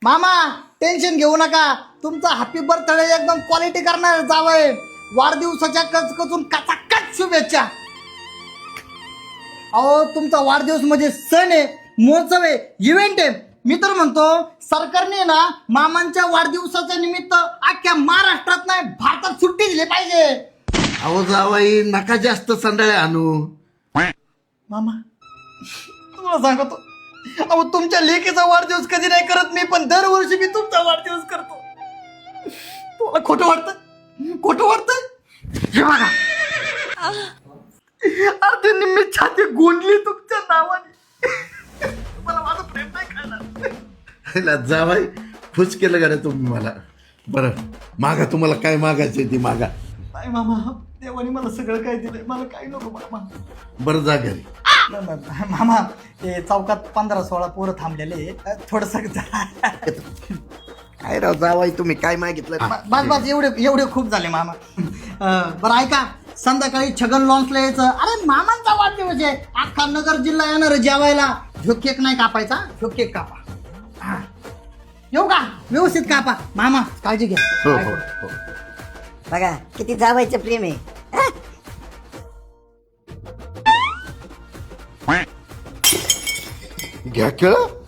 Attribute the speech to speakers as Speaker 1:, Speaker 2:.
Speaker 1: मामा टेन्शन घेऊ नका, तुमचा हॅपी बर्थडे एकदम क्वालिटी करणार जावंय. वाढदिवसाच्या कचकचून कचाकच शुभेच्छा. अहो तुमचा वाढदिवस म्हणजे सण आहे, महोत्सव आहे, इव्हेंट आहे. मी तर म्हणतो सरकारने ना मामांच्या वाढदिवसाच्या निमित्त अख्ख्या महाराष्ट्रात नाही भारतात सुट्टी दिली पाहिजे.
Speaker 2: अहो जावाई नका जास्त संडाळे आणू.
Speaker 1: मामा तुम्हाला सांगतो, अहो तुमच्या लेकीचा वाढदिवस कधी नाही करत मी, पण दरवर्षी मी तुमचा वाढदिवस करतो. तुम्हाला खोटं वाटतं? खोटं वाटतं? हे बघा अर्धी निम्मी छाती गोंडली तुमच्या नावाने. मला माझं प्रेम नाही कळणार.
Speaker 2: जावाई खुश केलं का रे तुम्ही मला. बरं मागा, तुम्हाला काय मागायचंय ती मागा.
Speaker 1: नाही मामा, देवाने मला सगळं काय दिलंय, मला काही नको मामा.
Speaker 2: बरं जा घरी.
Speaker 1: मामा ते चौकात 15-16 पोरं थांबलेले, थोडस
Speaker 2: काय राव जावाई तुम्ही काय मागितलं.
Speaker 1: बस बस एवढे खूप झाले मामा. बरं ऐका, संध्याकाळी छगन लॉन्सला यायचं. अरे मामांचा वाढदिवस आहे, अख्खा नगर जिल्हा येणार आहे जेवायला. ह्यो केक नाही कापायचा, ह्यो केक कापा. हा येऊ का? व्यवस्थित कापा मामा, काळजी घ्या.
Speaker 2: हो हो हो.
Speaker 3: बघा किती जावायचं प्रेम आहे.
Speaker 2: घ्या खेळ.